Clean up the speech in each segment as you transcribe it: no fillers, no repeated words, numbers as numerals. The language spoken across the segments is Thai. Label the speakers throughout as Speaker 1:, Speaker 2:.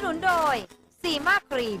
Speaker 1: นุนโดยซีมาครีม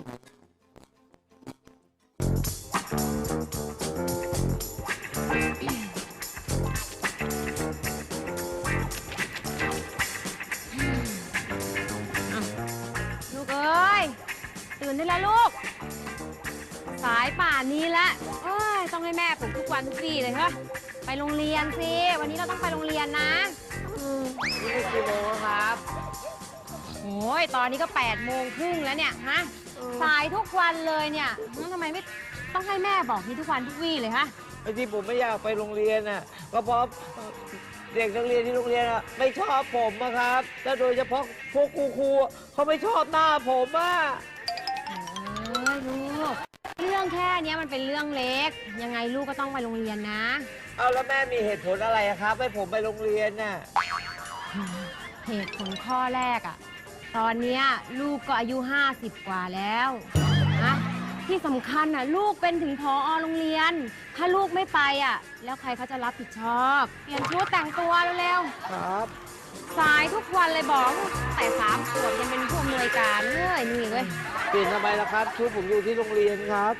Speaker 2: ลูกเอ้ยตื่นได้แล้วลูกสายป่านนี้ละเอ้ยต้องให้แม่ปลุกทุกวันทุกวี่เลยเหรอไปโรงเรียนสิวันนี้เราต้องไปโรงเรียนนะนี่กี่โมงครับโอ้ยตอนนี้ก็8:30แล้วเนี่ยฮะสายทุกวันเลยเนี่ยทำไมไม่ต้องให้แม่บอกนี่ทุกวันทุกวี่เลยฮะ
Speaker 3: ไอ้ที่ผมไม่อยากไปโรงเรียนน่ะก็เพราะเด็กนักเรียนที่โรงเรียนอ่ะไม่ชอบผมนะครับและโดยเฉพาะพวกครูเขาไม่ชอบหน้าผมอ่ะ
Speaker 2: ลูกเรื่องแค่นี้มันเป็นเรื่องเล็กยังไงลูกก็ต้องไปโรงเรียนนะ
Speaker 3: เอาแล้วแม่มีเหตุผลอะไรครับให้ผมไปโรงเรียนน่ะ
Speaker 2: เหตุผลข้อแรกอ่ะตอนนี้ลูกก็อายุ50 กว่าแล้วนะที่สำคัญน่ะลูกเป็นถึงผอ.โรงเรียนถ้าลูกไม่ไปอ่ะแล้วใครเขาจะรับผิดชอบเปลี่ยนชุดแต่งตัวเร็ว
Speaker 3: ๆครับ
Speaker 2: สายทุกวันเลยบอกแต่3 ขวบยังเป็นผู้อำนวยการเลยนี่เว้ย
Speaker 3: เปลี่ยนทำไมล่ะครับชุดผมอยู่ที่โรงเรียนครับ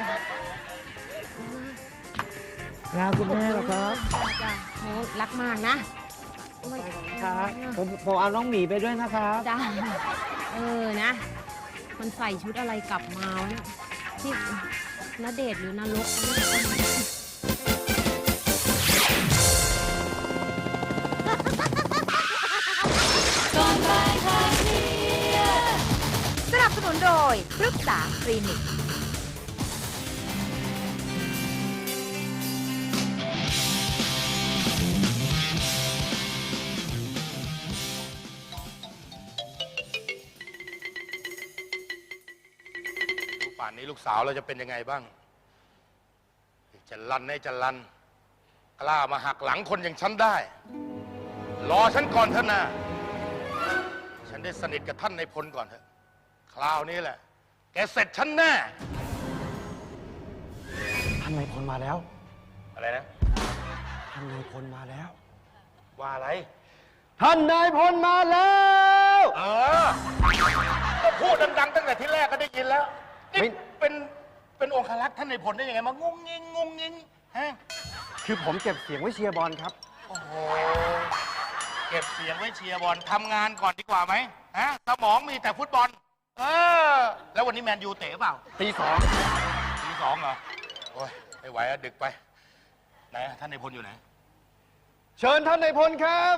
Speaker 3: งานคุณแม่เหรอครับ
Speaker 2: จ้ะโหรักมากนะครับ
Speaker 3: ผมเอาน้องหมีไปด้วยนะครับ
Speaker 2: จ้านะมันใส่ชุดอะไรกลับมาวะเนี่ยที่ณเดชน์หรือนรก
Speaker 1: สนับสนุนโดยปรึกษาคลินิก
Speaker 4: ป่านนี้ลูกสาวเราจะเป็นยังไงบ้างจะลันให้จะลันกล้ามาหักหลังคนอย่างฉันได้รอฉันก่อนเถอะนะฉันได้สนิทกับท่านนายพลก่อนเถอะคราวนี้แหละแกเสร็จฉันแน่
Speaker 5: ท่านนายพลมาแล้ว
Speaker 4: อะไรนะ
Speaker 5: ท่านนายพลมาแล้ว
Speaker 4: ว่าอะไร
Speaker 5: ท่านนายพลมาแล้ว
Speaker 4: ก็พูดดังๆตั้งแต่ที่แรกก็ได้ยินแล้วนี่เป็นองครักษ์ท่านนายพลได้ยังไงมางุ้งงิ้งงุ้งงิ้งฮะ
Speaker 5: คือผมเก็บเสียงไว้เชียร์บอลครับ
Speaker 4: โอ้โหเก็บเสียงไว้เชียร์บอลทำงานก่อนดีกว่าไหมฮะสมองมีแต่ฟุตบอลแล้ววันนี้แมนยูเตะเปล่า
Speaker 5: ตี 2
Speaker 4: เหรอโอ้ยไม่ไหวอะดึกไปไหนท่านนายพลอยู่ไหน
Speaker 5: เชิญท่านนายพลครับ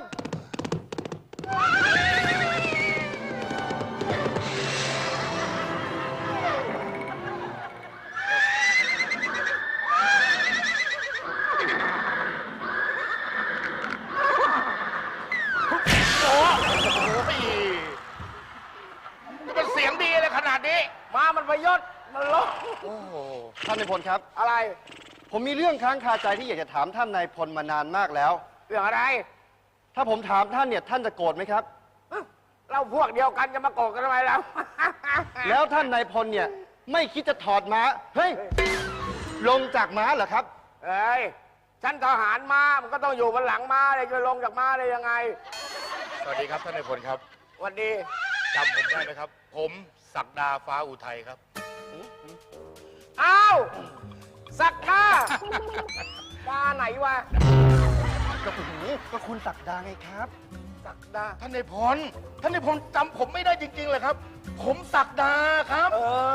Speaker 4: มันเสียงดีเลยขนาดนี้
Speaker 3: มามันประยศมันลบ
Speaker 5: โอ้โหท่านนายพลครับ
Speaker 3: อะไร
Speaker 5: ผมมีเรื่องค้างคาใจที่อยากจะถามท่านนายพลมานานมากแล้ว
Speaker 3: เรื่องอะไร
Speaker 5: ถ้าผมถามท่านเนี่ยท่านจะโกรธไหมครับ
Speaker 3: เราพวกเดียวกันจะมาโกรธกันทำไมเรา
Speaker 5: แล้วท่านนายพลเนี่ยไม่คิดจะถอดม้าเฮ้ยลงจากม้าเหรอครับ
Speaker 3: เอ้ยฉันทหารม้ามันก็ต้องอยู่บนหลังม้าเลยจะลงจากม้าได้ยังไง
Speaker 4: สวัสดีครับท่านนายพลครับ
Speaker 3: สวัสดี
Speaker 4: จำผมได้ไหมครับผมศักดาฟ้าอุทัยครับ
Speaker 3: อ้าวศักดาดาไหนวะ
Speaker 5: ก็คุณศักดาไงครับ
Speaker 4: ศักดาท่านนายพลจำผมไม่ได้จริงๆเลยครับผมศักดาครับ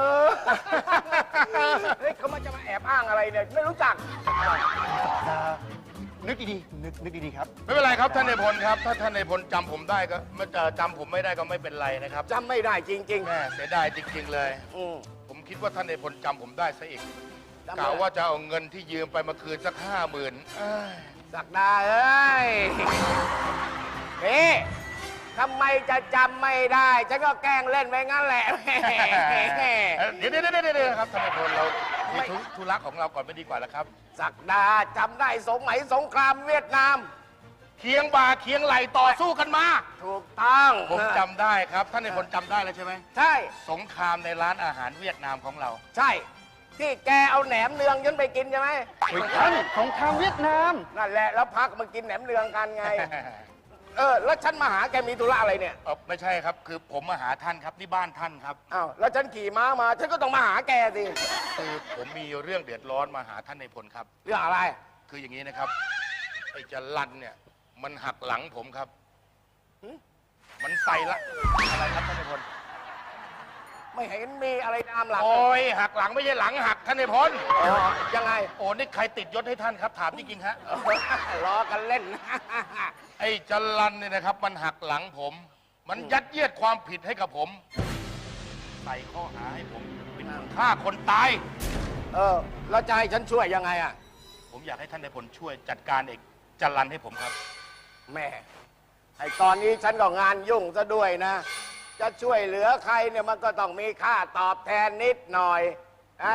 Speaker 3: เฮ้ยเขามาจะมาแอบอ้างอะไรเนี่ยไม่รู้จัก
Speaker 5: ศักดานึกดีๆนึกดีๆครับ
Speaker 4: ไม่เป็นไรครับท่านนายพลครับถ้าท่านนายพลจำผมได้ก็จำผมไม่ได้ก็ไม่เป็นไรนะครับ
Speaker 3: จำไม่ได้จริงๆ
Speaker 4: แม่เสียดายจริงๆเลยผมคิดว่าท่านนายพลจำผมได้ซะอีกกะว่าจะเอาเงินที่ยืมไปมาคืนสัก50,000
Speaker 3: ศักดาเอ้ยนี่ทำไมจะจำไม่ได้ฉันก็แกล้งเล่นไปงั้นแหละ
Speaker 4: เดี๋ยวครับท่านนายพลเรามีธุระของเราก่อนไม่ดีกว่าแล้วครับ
Speaker 3: ศักดาจำได้สมัยสงครามเวียดนาม
Speaker 4: เคียงบ่าเคียงไหลต่อสู้กันมา
Speaker 3: ถูกต้อง
Speaker 4: ผมจำได้ครับท่านนายพลจำได้แล้วใช่ไหม
Speaker 3: ใช่
Speaker 4: สงครามในร้านอาหารเวียดนามของเรา
Speaker 3: ใช่ที่แกเอาแหนมเนืองฉันไปกินใช่ไหม
Speaker 5: ท่านสงครามเวียดนาม
Speaker 3: นั่นแหละแล้วพักมากินแหนมเนืองกันไง
Speaker 6: แล้วฉันมาหาแกมีธุระอะไรเนี่ย
Speaker 4: ไม่ใช่ครับ คือผมมาหาท่านครับนี่บ้านท่านครับ
Speaker 6: อ้าวแล้วฉันขี่ม้ามา ฉันก็ต้องมาหาแกสิ
Speaker 4: คือผมมีเรื่องเดือดร้อนมาหาท่านในพลครับ
Speaker 6: เรื่องอะไร
Speaker 4: คืออย่างนี้นะครับไอ้จรันเนี่ยมันหักหลังผมครับ มันใส่ละอะไรครับท่านในพล
Speaker 6: ไม่เห็นมีอะไรตามหลัง
Speaker 4: โอ้ยหักหลังไม่ใช่หลังหักท่านในพล
Speaker 6: ยังไง
Speaker 4: โอ้นี่ใครติดยศให้ท่านครับถามจริงๆฮะ
Speaker 6: ล้อกันเล่น
Speaker 4: ไอ้จรันเนี่ยนะครับ มันหักหลังผม มันยัดเยียดความผิดให้กับผม ใส่ข้อหาให้ผมเป็นคนฆ่าคนตาย
Speaker 6: แล้วจะให้ฉันช่วยยังไงอ่ะ
Speaker 4: ผมอยากให้ท่านในพลช่วยจัดการเอกจรันให้ผมครับ
Speaker 6: แม่ไอตอนนี้ฉันก็งานยุ่งซะด้วยนะ จะช่วยเหลือใครเนี่ยมันก็ต้องมีค่าตอบแทนนิดหน่อยไอ้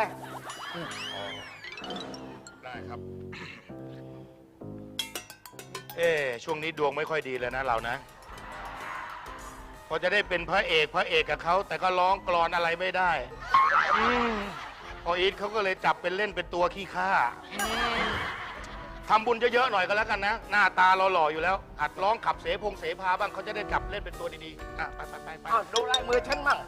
Speaker 4: ได้ครับ ช่วงนี้ดวงไม่ค่อยดีเลยนะเรานะ พอจะได้เป็นพระเอกกับเขาแต่ก็ร้องกลอนอะไรไม่ได้พออีทเขาก็เลยจับเป็นเล่นเป็นตัวขี้ข้าทำบุญเยอะๆหน่อยก็แล้วกันนะ หน้าตาเราหล่ออยู่แล้วหัดร้องขับเสพาบ้างเขาจะได้จับเล่นเป็นตัวดีๆไป
Speaker 6: อ้าวดูลายมือฉันมั่ง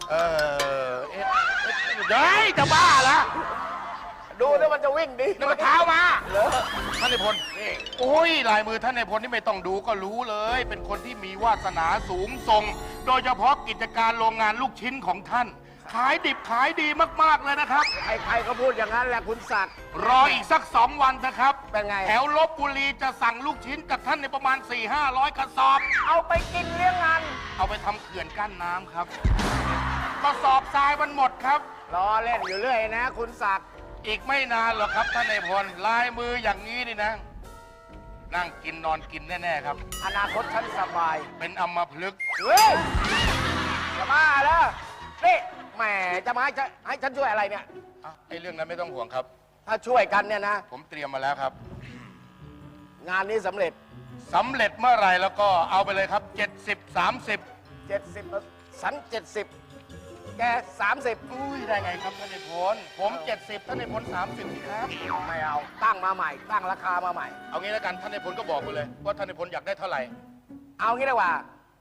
Speaker 4: เฮ้ยจะบ้าละ
Speaker 6: ดูแล้วมันจะวิ่งดี
Speaker 4: นี่มันเท้ามา
Speaker 6: เหรอ
Speaker 4: ท่านในพล
Speaker 6: นี่
Speaker 4: โอ้ยลายมือท่านในพลนี่ไม่ต้องดูก็รู้เลย เป็นคนที่มีวาสนาสูงส่ง โดยเฉพาะกิจการโรงงานลูกชิ้นของท่าน ขายดิบขายดีมากๆเลยนะครับ
Speaker 6: ใครๆก็พูดอย่างนั้นแหละคุณศักดิ์
Speaker 4: รออีกสัก2 วันนะครับ
Speaker 6: เป็นไง
Speaker 4: แถวลบบุรีจะสั่งลูกชิ้นกับท่านในประมาณ 4-500 กระสอบ
Speaker 6: เอาไปกินเลี้ยงงาน
Speaker 4: เอาไปทำเขื่อนกั้นน้ำครับ กระสอบทรายมันหมดครับ
Speaker 6: รอเล่นอยู่เรื่อยนะ คุณศักดิ์
Speaker 4: อีกไม่นานหรอกครับท่านในพลลายมืออย่างนี้นี่นะ นั่งกินนอนกินแน่ๆครับ
Speaker 6: อนาคตฉันสบาย
Speaker 4: เป็นอัมพฤกษ์
Speaker 6: เฮ้ยจะบ้าแล้วนี่แหมจะมาให้ฉันช่วยอะไรเนี่ย
Speaker 4: ไอ้เรื่องนั้นไม่ต้องห่วงครับ
Speaker 6: ถ้าช่วยกันเนี่ยนะ
Speaker 4: ผมเตรียมมาแล้วครับ
Speaker 6: งานนี้สำเร็จ
Speaker 4: สำเร็จเมื่อไหร่แล้วก็เอาไปเลยครับ 70-30
Speaker 6: 70ฉัน70 แก 30
Speaker 4: อุ้ยได้ไงครับท่านในพลผม 70ท่านในพล30สิครับ
Speaker 6: ไม่เอา ตั้งมาใหม่ ตั้งราคามาใหม่
Speaker 4: เอางี้แล้วกันท่านในพลก็บอกไปเลย ว่าท่านในพลอยากได้เท่าไหร่
Speaker 6: เอางี้ดีกว่า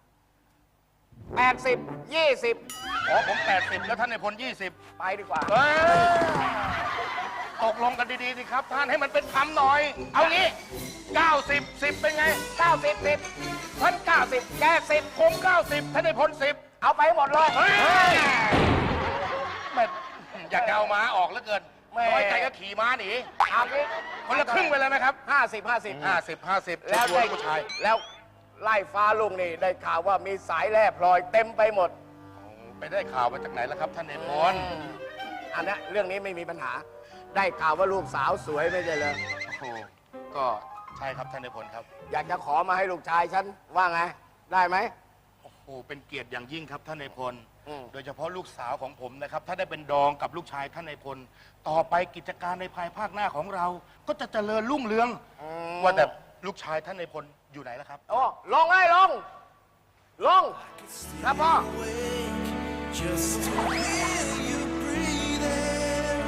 Speaker 6: 80 20
Speaker 4: อ๋อผม80แล้วท่านในพล20
Speaker 6: ไปดีกว่า
Speaker 4: เฮ้ยตกลงกันดีๆสิครับ ท่านให้มันเป็นธรรมหน่อย เอางี้90 10เป็นไง
Speaker 6: 90 10ฉัน90 แก 10
Speaker 4: ผม90ท่านในพล10
Speaker 6: เอาไปให้หมดเลย
Speaker 4: เฮ้ยแม่อยากจะเอาม้าออกเหลือเกิน
Speaker 6: แม่
Speaker 4: น้อยใจก็ขี่ม้าหนี
Speaker 6: เอางี้
Speaker 4: คนละครึ่งไปเลยไหมครับ
Speaker 6: 50
Speaker 4: 50
Speaker 6: แล้ว
Speaker 4: ช่วย
Speaker 6: ได้
Speaker 4: ผู้ชาย
Speaker 6: แล้วไล่ฟ้าลุงนี่ได้ข่าวว่ามีสายแร่พลอยเต็มไปหมด
Speaker 4: ไปได้ข่าวมาจากไหนแล้วครับท่านในพล
Speaker 6: อันนี้เรื่องนี้ไม่มีปัญหา ได้ข่าวว่าลูกสาวสวยไม่ใช่เลย
Speaker 4: โอ้โหก็ใช่ครับท่านในพลครับ
Speaker 6: อยากจะขอมาให้ลูกชายฉันว่าไง ได้ไหม
Speaker 4: โอ้โหเป็นเกียรติอย่างยิ่งครับท่านในพล
Speaker 6: อืม
Speaker 4: โดยเฉพาะลูกสาวของผมนะครับ ถ้าได้เป็นดองกับลูกชายท่านในพล ต่อไปกิจการในภายภาคหน้าของเรา ก็จะเจริญรุ่งเรือง ว่าแต่ลูกชายท่านในพลอยู่ไหนแล้วครับ
Speaker 6: โอ้ลงเลยลง ลง ครับพ่อ
Speaker 7: Just to hear you breathing,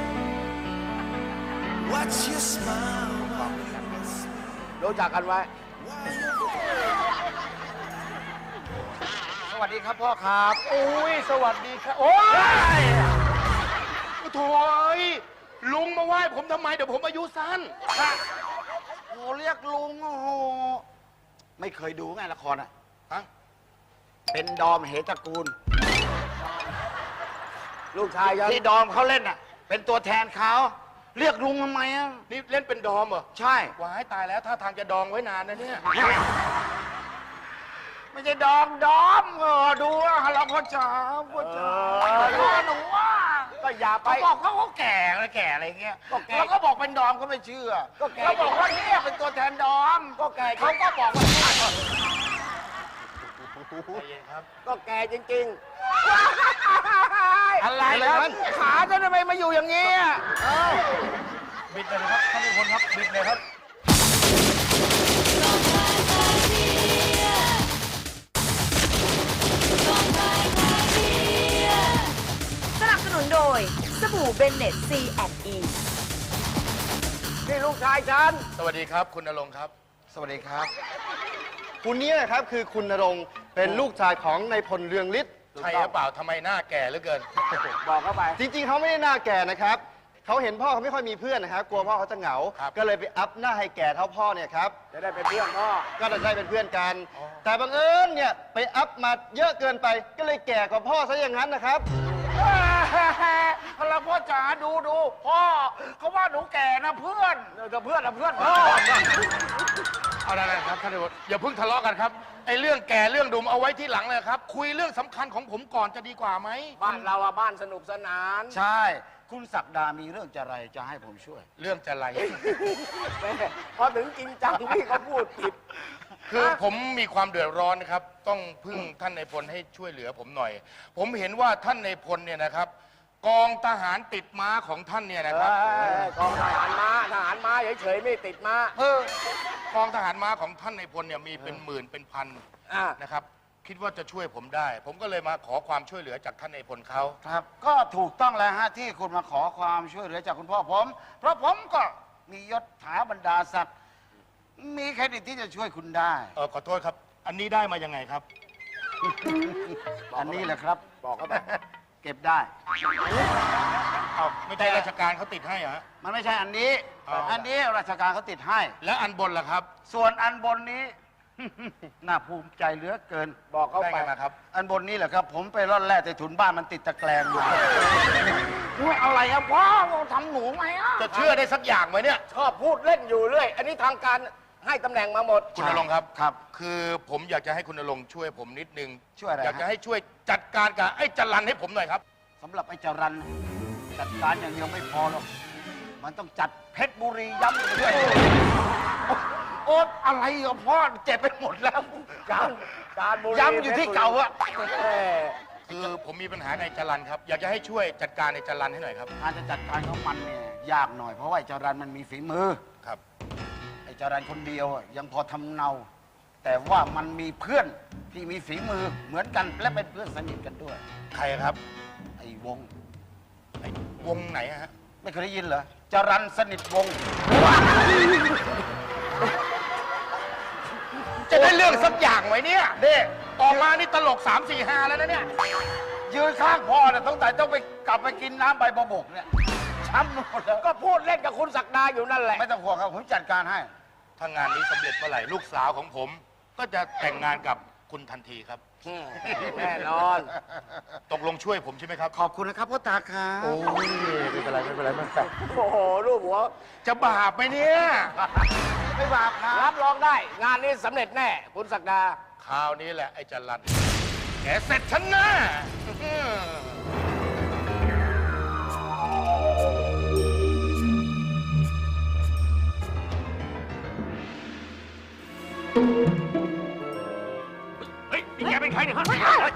Speaker 7: watch you smile while you whisper.
Speaker 6: รู้จักกันไว้ สวัสดีครับพ่อครับ
Speaker 4: โอ้ยสวัสดีครับ โอ้ยโถ่ยลุงมาไหว้ผมทำไม เดี๋ยวผมอายุสั้น
Speaker 5: โอ้เรียกลุง โอ้โห ไม่เคยดูไงละครอ่ะ
Speaker 4: ฮะ
Speaker 5: เป็นดอมเหตระกูล
Speaker 6: ลูกชายฉัน
Speaker 5: ที่ดอมเขาเล่นอ่ะ เป็นตัวแทนเขา เรียกลุงทำไมอ่ะ
Speaker 4: นี่เล่นเป็นดอมเหรอ
Speaker 5: ใช่
Speaker 4: ว้ายตายแล้วท่าทางจะดองไว้นานนะเนี่ย
Speaker 5: ไม่ใช่ดอมดูอ่ะเราพ่อจ๋าพ่อจ๋าหนูว่า
Speaker 6: ก็อย่าไป
Speaker 5: เขาบอกเขาแก่อะไรเงี้ย
Speaker 6: ก็แก่
Speaker 5: แล้วก็บอกเป็นดอมก็ไม่เชื่อ
Speaker 6: ก็แก่
Speaker 5: เขาบอกว่าเนี่ยเป็นตัวแทนดอม
Speaker 6: ก็แก่
Speaker 5: เขาก็บอกว่า
Speaker 4: ใจเย็นครับ
Speaker 6: ก็แก่จริง ๆ
Speaker 5: อะไรครับขาจะทำไมมาอยู่อย่างนี้อ่ะ
Speaker 4: บิดเลยนะครับท่านผู้ชมครับ บิดเลยครับ
Speaker 1: สนับสนุนโดยสบู่เบนเน็ต C&E
Speaker 6: นี่ลูกชายฉัน
Speaker 4: สวัสดีครับ คุณณรงค์ครับ
Speaker 5: สวัสดีครับ คุณนี้นะครับคือคุณณรงค์เป็นลูกชายของนายพลเรืองฤทธิ์
Speaker 4: ใช่หรือเปล่าทำไมหน้าแก่เหลือเกิน
Speaker 6: บอกเข้าไป
Speaker 5: จริงๆเขาไม่ได้หน้าแก่นะครับเขาเห็นพ่อเขาไม่ค่อยมีเพื่อนนะครับกลัวพ่อเขาจะเหงา
Speaker 4: ครับ
Speaker 5: ก็เลยไปอัพหน้าให้แก่เท่าพ่อเนี่ยครับ
Speaker 6: จะได้เป็นเพื่อนพ่อ
Speaker 5: ก็จะได้เป็นเพื่อนกัน แต่บังเอิญเนี่ยไปอัพมาเยอะเกินไป ก็เลยแก่กว่าพ่อซะอย่างนั้นนะครับ
Speaker 6: เราพ่อจ๋าดูพ่อเขาว่าหนูแก่นะเพื่อนเพื่อนพ่อ
Speaker 4: เอาได้ๆครับท่านนายกอย่าเพิ่งทะเลาะกันครับไอ้เรื่องแก่เรื่องดุมเอาไว้ที่หลังเลยครับ คุยเรื่องสำคัญของผมก่อนจะดีกว่าไหม
Speaker 6: บ้านเราอะบ้านสนุกสนาน
Speaker 8: ใช่ คุณศักดามีเรื่องจะอะไรจะให้ผมช่วย
Speaker 4: เรื่องจะไร
Speaker 6: แม่พอถึงจริงจังพี่เขาพูดผิด
Speaker 4: คือผมมีความเดือดร้อนนะครับ ต้องพึ่งท่านนายพลให้ช่วยเหลือผมหน่อย ผมเห็นว่าท่านนายพลเนี่ยนะครับ กองทหารติดม้าของท่านเนี่ยนะครับ
Speaker 6: กองทหารม้าเฉยๆไม่ติดม้าก
Speaker 4: องทหารม้าของท่านนายพลเนี่ยมีเป็นหมื่นเป็นพัน
Speaker 6: อ่า
Speaker 4: นะครับ คิดว่าจะช่วยผมได้ ผมก็เลยมาขอความช่วยเหลือจากท่านนายพลเขา
Speaker 8: ครับ ก็ถูกต้องแล้วฮะที่คุณมาขอความช่วยเหลือจากคุณพ่อผม เพราะผมก็มียศถาบรรดาศักดิ์มีเครดิตที่จะช่วยคุณได้
Speaker 4: ขอโทษครับ อันนี้ได้มายังไงครับ
Speaker 8: อันนี้แหละครับ
Speaker 6: บอกเขาไป
Speaker 8: เก็บได้
Speaker 4: เอาไม่ใช่ราชการเขาติดให้เหรอฮะ
Speaker 8: มันไม่ใช่อันนี้
Speaker 4: อ๋ออั
Speaker 8: อันนี้ราชการเขาติดให้
Speaker 4: แล้วอันบนล่ะครับ
Speaker 8: ส่วนอันบนนี้ น่าภูมิใจเหลือเกิน
Speaker 6: บอกเขา
Speaker 4: ได้
Speaker 6: ไป
Speaker 4: ไงมาครับ
Speaker 8: อันบนนี้แหละครับ ผมไปร่อนแร่แต่ถุนบ้านมันติดตะแกรงมา
Speaker 6: อะไรอะพ่อทำหนูไหมอะ
Speaker 4: จะเชื่อได้สักอย่างไหมเนี่ย
Speaker 6: ชอบพูดเล่นอยู่เรื่อย อันนี้ทางการให้ตำแหน่งมาหมด
Speaker 4: คุณณรงค์ครับ
Speaker 8: ครับ
Speaker 4: คือผมอยากจะให้คุณณรงค์ช่วยผมนิดนึง
Speaker 8: ช่วยอะไรฮะ
Speaker 4: อยากจะให้ช่วยจัดการกับไอ้จรันให้ผมหน่อยครับ
Speaker 8: สำหรับไอ้จรันจัดการอย่างเดียวไม่พอหรอก มันต้องจัดเพชรบุรีย้ำไปด้วย โอ๊ตอะไรกับพ่อเจ็บไปหมดแล้ว
Speaker 6: การบุรี
Speaker 8: ย้ำอยู่ที่เก่าอะ
Speaker 4: คือผมมีปัญหาในจรันครับ อยากจะให้ช่วยจัดการในจรันให้หน่อยครับ
Speaker 8: การจะจัดการของมันเนี่ยยากหน่อยเพราะว่าไอ้จรันมันมีฝีมือ
Speaker 4: ครับ
Speaker 8: ไอ้จรันคนเดียวอะยังพอทำเนา แต่ว่ามันมีเพื่อนที่มีฝีมือเหมือนกันและเป็นเพื่อนสนิทกันด้วย
Speaker 4: ใครครับ
Speaker 8: ไอ้วง
Speaker 4: ไอ้วงไหนอะฮะ
Speaker 8: ไม่เคยได้ยินเหรอจรันสนิทวงศ์
Speaker 4: จะได้เรื่องสักอย่างไหมเนี่ย
Speaker 8: เด้
Speaker 4: ออกมานี่ตลก 3 4 5 แล้วนะเนี่ย
Speaker 8: ยืนข้างพ่อเนี่ยต้องไปกลับไปกินน้ำใบบกเนี่ยช้ำหมดแล้ว
Speaker 6: ก็พูดเล่นกับคุณศักดาอยู่นั่นแหละ
Speaker 8: ไม่ต้องห่วงครับผมจัดการให้
Speaker 4: ถ้างานนี้สำเร็จเมื่อไหร่ลูกสาวของผม ก็จะแต่งงานกับคุณทันทีครับ
Speaker 6: แน่นอน
Speaker 4: ตกลงช่วยผมใช่ไหมครับ
Speaker 8: ขอบคุณนะครับพ่อตาครับ
Speaker 3: โอ้ยไม่เป็นไรมันแปลก
Speaker 6: โอ้โหรูปหัว
Speaker 4: จะบาปไหมเนี่ย
Speaker 8: ไม่บาปครับ
Speaker 6: รับรองได้ งานนี้สำเร็จแน่ คุณศักดา
Speaker 4: คราวนี้แหละไอ้จรันแกเสร็จฉันแน่เฮ้ยนี่แกเป็นใครเนี่ยฮะ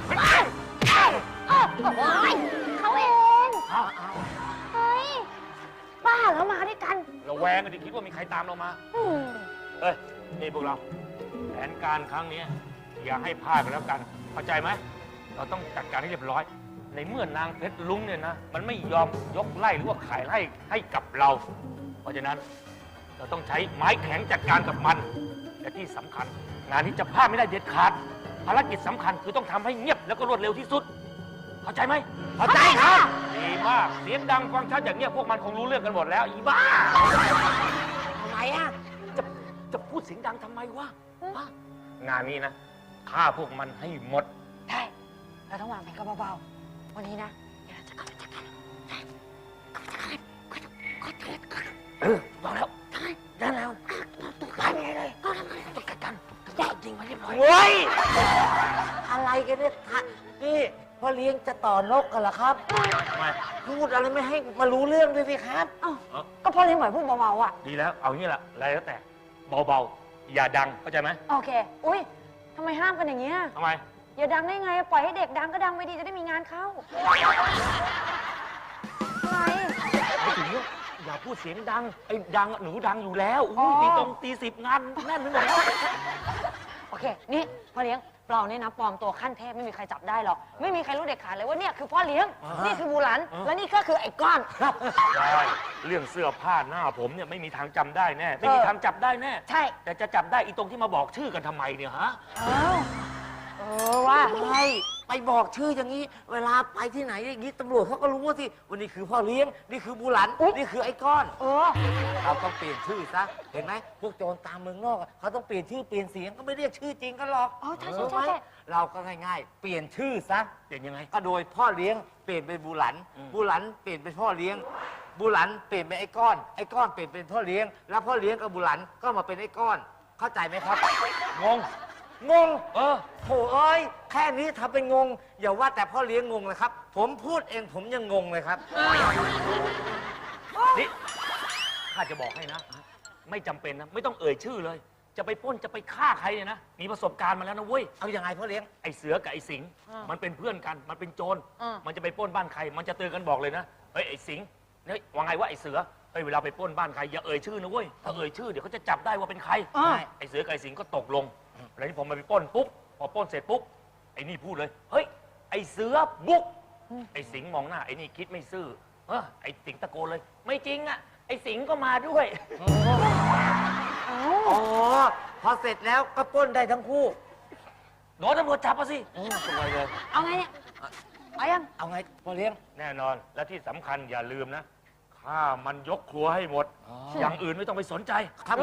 Speaker 2: โอ้ยเขาเอง เฮ้ย บ้าแล้วมาด้วยกัน
Speaker 9: ระแวงกันดิคิดว่ามีใครตามเรามา เฮ้ย นี่พวกเรา แผนการครั้งนี้อย่าให้พลาดกันแล้วกัน เข้าใจไหม เราต้องจัดการให้เรียบร้อย ในเมื่อนางเพชรลุงเนี่ยนะ มันไม่ยอมยกไล่หรือว่าขายไล่ให้กับเรา เพราะฉะนั้นเราต้องใช้ไม้แข็งจัดการกับมัน และที่สำคัญ งานนี้จะพลาดไม่ได้เด็ดขาด ภารกิจสำคัญคือต้องทำให้เงียบแล้วก็รวดเร็วที่สุด เข้าใจไหมเข้าใจครับดีมาก เสียงดังฟังชัดอย่างเงี้ยพวกมันคงรู้เรื่องกันหมดแล้วอีบ้า
Speaker 2: ทำไมอ่ะ
Speaker 9: จะพูดเสียงดังทำไมวะฮะงานนี้นะฆ่าพวกมันให้หมด
Speaker 2: ใช่เราต้องวางแผนกันเบาๆ วันนี้นะ เดี๋ยวเราจะกลับไปจัดการ
Speaker 9: บอกแล้ว
Speaker 2: เดินแล้วไปเลยต้องจัดการจริงมาเรียบร้อย
Speaker 3: เฮ้ย อะไรกันเนี่ยนี่พ่อเลี้ยงจะต่อนกกันเหรอครับ
Speaker 9: ทำไม
Speaker 3: พูดอะไรไม่ให้มารู้เรื่องด้วยสิครับ
Speaker 2: ก็พอเลี้ยงไหวพูดเบาๆอ่ะ
Speaker 9: ดีแล้ว เอางี้แหละอะไรแล้วแต่ เบาๆ อย่าดัง เข้าใจไหม
Speaker 2: โอเค อุ้ยทำไมห้ามกันอย่างเงี้ย
Speaker 9: ทำไม
Speaker 2: อย่าดังได้ไง ปล่อยให้เด็กดังก็ดังไปดีจะได้มีงานเข้า อะไร
Speaker 9: ไม่ถึงว่าอย่าพูดเสียงดัง ไอ้ดังหนูดังอยู่แล้วอุ้ยตี10 งานแน่นไปหมดแล้ว
Speaker 2: โอเค นี่พอเลี้ยง
Speaker 1: เราเนี่ยนะปลอมตัวขั้นเทพไม่มีใครจับได้หรอกไม่มีใครรู้เด็ดขาดเลยว่าเนี่ยคือพ่อเลี้ยงนี่คือบูหลันและนี่ก็คือไอ้ก้อน
Speaker 9: ใช่เรื่องเสื้อผ้าหน้าผมเนี่ยไม่มีทางจำได้แน่ ไม่มีทางจับได้แน่
Speaker 1: ใช่
Speaker 9: แต่จะจับได้อีตรงที่มาบอกชื่อกันทำไมเนี่ยฮะ
Speaker 1: ว่า
Speaker 3: ไม่ไปบอกชื่ออย่างนี้ เวลาไปที่ไหนอย่างนี้ตำรวจเขาก็รู้ว่าสิวันนี้คือพ่อเลี้ยงนี่คือบูหลันนี่คือไอ้ก้อนเราต้องเปลี่ยนชื่อซะเห็นไหมพวกโจรตามเมืองนอกอะเขาต้องเปลี่ยนชื่อเปลี่ยนเสียงก็ไม่เรียกชื่อจริงกันหรอก
Speaker 1: อ๋อใช่
Speaker 3: รู้
Speaker 1: ใช่
Speaker 3: ไหม
Speaker 1: ใช่
Speaker 3: เราก็ง่ายๆ เปลี่ยนชื่อซะ
Speaker 9: เปลี่ยนยังไง
Speaker 3: ก็โดยพ่อเลี้ยงเปลี่ยนเป็นบูหลันบูหลันเปลี่ยนเป็นพ่อเลี้ยงบูหลันเปลี่ยนเป็นไอ้ก้อนไอ้ก้อนเปลี่ยนเป็นพ่อเลี้ยงแล้วพ่อเลี้ยงกับบูหลันก็มาเป็นไอ้ก้อนเข้าใจไหมครับ
Speaker 9: งง
Speaker 3: งงโถเอ้ยแค่นี้ทำเป็นงง อย่าว่าแต่พ่อเลี้ยงงงเลยครับ ผมพูดเองผมยังงงเลยครับ
Speaker 9: นี่ข้าจะบอกให้นะ ไม่จำเป็นนะ ไม่ต้องเอ่ยชื่อเลย จะไปปล้นจะไปฆ่าใครเนี่ยนะ มีประสบการณ์มาแล้วนะเว้ย
Speaker 3: เอาอย่างไงพ่อเลี้ยง
Speaker 9: ไอ้เสือกับไอ้สิงห์มันเป็นเพื่อนกัน มันเป็นโจร มันจะไปปล้นบ้านใคร มันจะเตือนกันบอกเลยนะ เฮ้ยไอ้สิงห์เนี่ยว่าไงวะไอ้เสือ เฮ้ยเวลาไปปล้นบ้านใครอย่าเอ่ยชื่อนะเว้ย ถ้าเอ่ยชื่อเดี๋ยวเขาจะจับได้ว่าเป็นใคร ไอ้เสือกับไอ้สิงห์ก็ตกลง แล้วนี่ผมมาไปปล้นปุ๊บ พอปล้นเสร็จปุ๊บ ไอ้นี่พูดเลย เฮ้ยไอ้เสือบุก ไอ้สิงห์มองหน้าไอ้นี่คิดไม่ซื่อไอ้สิงห์ตะโกนเลย ไม่จริงอ่ะ ไอ้สิงห์ก็มาด้วย
Speaker 3: อ๋อพอเสร็จแล้วก็ปล้นได้ทั้งคู่
Speaker 9: โดนตำรวจจับมาสิ
Speaker 3: สวยเลย
Speaker 1: เอาไงเนี่ยเอายัง
Speaker 3: เอาไงพ่อเลี้ยง
Speaker 9: แน่นอน และที่สำคัญอย่าลืมนะฆ่ามันยกครัวให้หมด อย่างอื่นไม่ต้องไปสนใจ
Speaker 3: ครับผม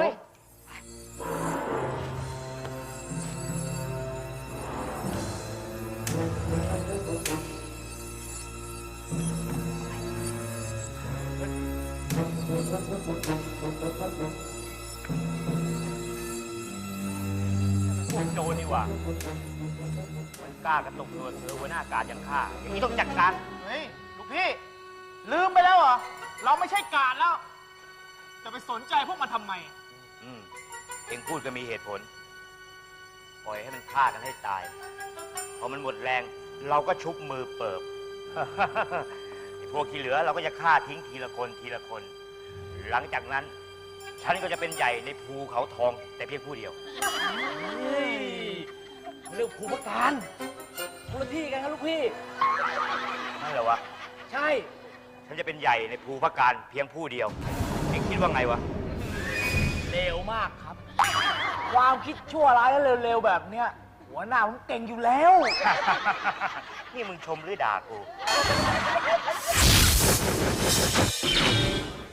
Speaker 9: พวกโจรนี่หว่ามันกล้ากระตุกตัวเสือหัวหน้าการอย่างข้าอย่างนี้ต้องจัดการ
Speaker 8: เฮ้ย ลูกพี่ ลืมไปแล้วเหรอ เราไม่ใช่กาดแล้ว จะไปสนใจพวกมันทำไม
Speaker 10: เองพูดก็มีเหตุผล ปล่อยให้มันฆ่ากันให้ตาย พอมันหมดแรง เราก็ชุบมือเปิบ ไอ้พวกที่เหลือเราก็จะฆ่าทิ้งทีละคนทีละคน หลังจากนั้น ฉันก็จะเป็นใหญ่ในภูเขาทอง แต่เพียงผู้เดียว
Speaker 3: เรื่องภูมิการคนละที่กันครับลูกพี่
Speaker 10: นั่นเหรอวะ
Speaker 3: ใช่
Speaker 10: ฉันจะเป็นใหญ่ในภูพการเพียงผู้เดียว เองคิดว่าไงวะ
Speaker 3: เร็วมากครับ ความคิดชั่วร้ายและเร็วๆแบบเนี้ยหัวหน้าผมเก่งอยู่แล้ว
Speaker 10: นี่มึงชมหรือด่ากู